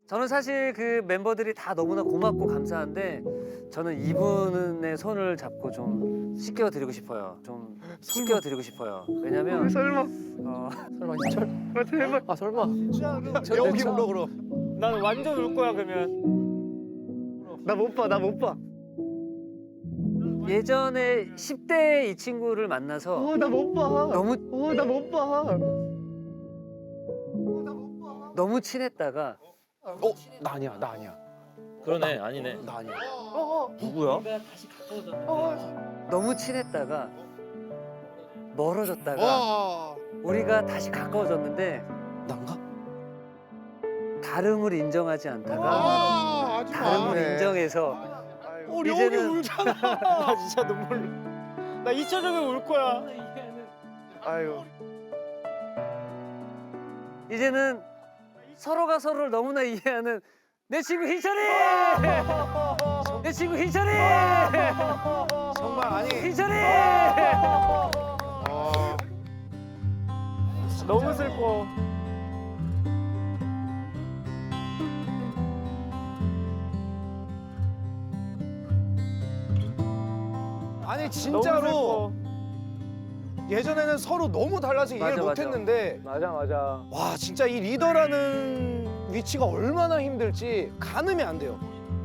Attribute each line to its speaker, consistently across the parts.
Speaker 1: 저는 사실 그 멤버들이 다 너무나 고맙고 감사한데 저는 이분의 손을 잡고 좀 씻겨드리고 싶어요. 좀 씻겨드리고 싶어요. 왜냐면
Speaker 2: 설마.
Speaker 3: 설마 희철?
Speaker 2: 제발.
Speaker 3: 아 설마?
Speaker 2: 여기 울어 그럼.
Speaker 4: 난 완전 울 거야 그러면.
Speaker 2: 나 못 봐. 나 못 봐.
Speaker 1: 예전에 10대 이 친구를 만나서
Speaker 2: 나 못 봐.
Speaker 1: 너무
Speaker 2: 나 못 봐.
Speaker 1: 너무 친했다가
Speaker 3: 나 아니야, 나 아니야,
Speaker 4: 그러네 아니네.
Speaker 3: 나 아니야.
Speaker 4: 누구야?
Speaker 1: 너무 친했다가 멀어졌다가 우리가 다시 가까워졌는데
Speaker 3: 난가?
Speaker 1: 다름을 인정하지 않다가 다름을 인정해서 이제는
Speaker 4: 나 진짜 눈물. 나 이철형이 울 거야.
Speaker 2: 아유.
Speaker 1: 이제는 서로가 서로를 너무나 이해하는 내 친구 희철이! 내 친구 희철이!
Speaker 2: 정말 아니.
Speaker 1: 희철이!
Speaker 4: 너무 슬퍼.
Speaker 2: 아니
Speaker 4: 너무
Speaker 2: 진짜로
Speaker 4: 슬퍼.
Speaker 2: 예전에는 서로 너무 달라서 이해를
Speaker 1: 맞아, 맞아.
Speaker 2: 못했는데
Speaker 4: 맞아.
Speaker 2: 와 진짜 이 리더라는 위치가 얼마나 힘들지 가늠이 안 돼요.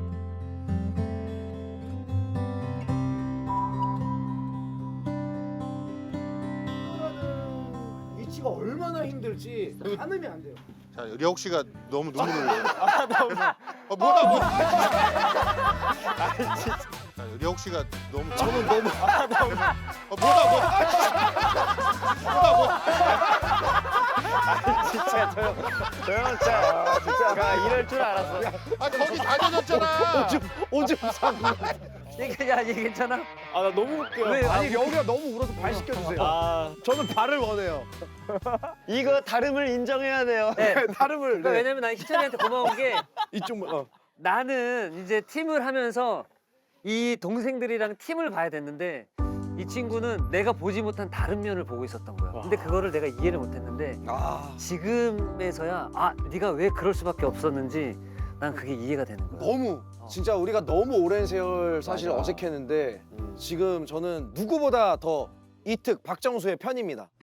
Speaker 2: 리더라는 위치가 얼마나 힘들지 가늠이 안 돼요.
Speaker 5: 자, 려욱 씨가 너무 눈물을 흘려요. 뭐다 뭐. 자, 려욱 씨가 너무 저는 너무 뭐다 뭐.
Speaker 4: 진짜 저형 진짜 이럴 줄 알았어.
Speaker 5: 아 거기 다녀졌잖아.
Speaker 2: 오줌 싸고.
Speaker 1: 얘 괜찮아?
Speaker 4: 아 나 너무 웃겨.
Speaker 1: 왜?
Speaker 2: 아니 려욱이가 너무 울어서 발 시켜주세요.
Speaker 4: 아
Speaker 2: 저는 발을 원해요.
Speaker 4: 이거 다름을 인정해야 돼요.
Speaker 1: 네.
Speaker 2: 다름을.
Speaker 1: 그러니까 왜냐면 난 희철이한테 고마운 게
Speaker 2: 이쪽
Speaker 1: 나는 이제 팀을 하면서 이 동생들이랑 팀을 봐야 됐는데 이 친구는 내가 보지 못한 다른 면을 보고 있었던 거야. 근데 그거를 내가 이해를 못했는데 지금에서야 아 네가 왜 그럴 수밖에 없었는지 난 그게 이해가 되는 거야.
Speaker 2: 너무 진짜 우리가 너무 오랜 세월 사실
Speaker 1: 맞아.
Speaker 2: 어색했는데 지금 저는 누구보다 더 이특 박정수의 편입니다.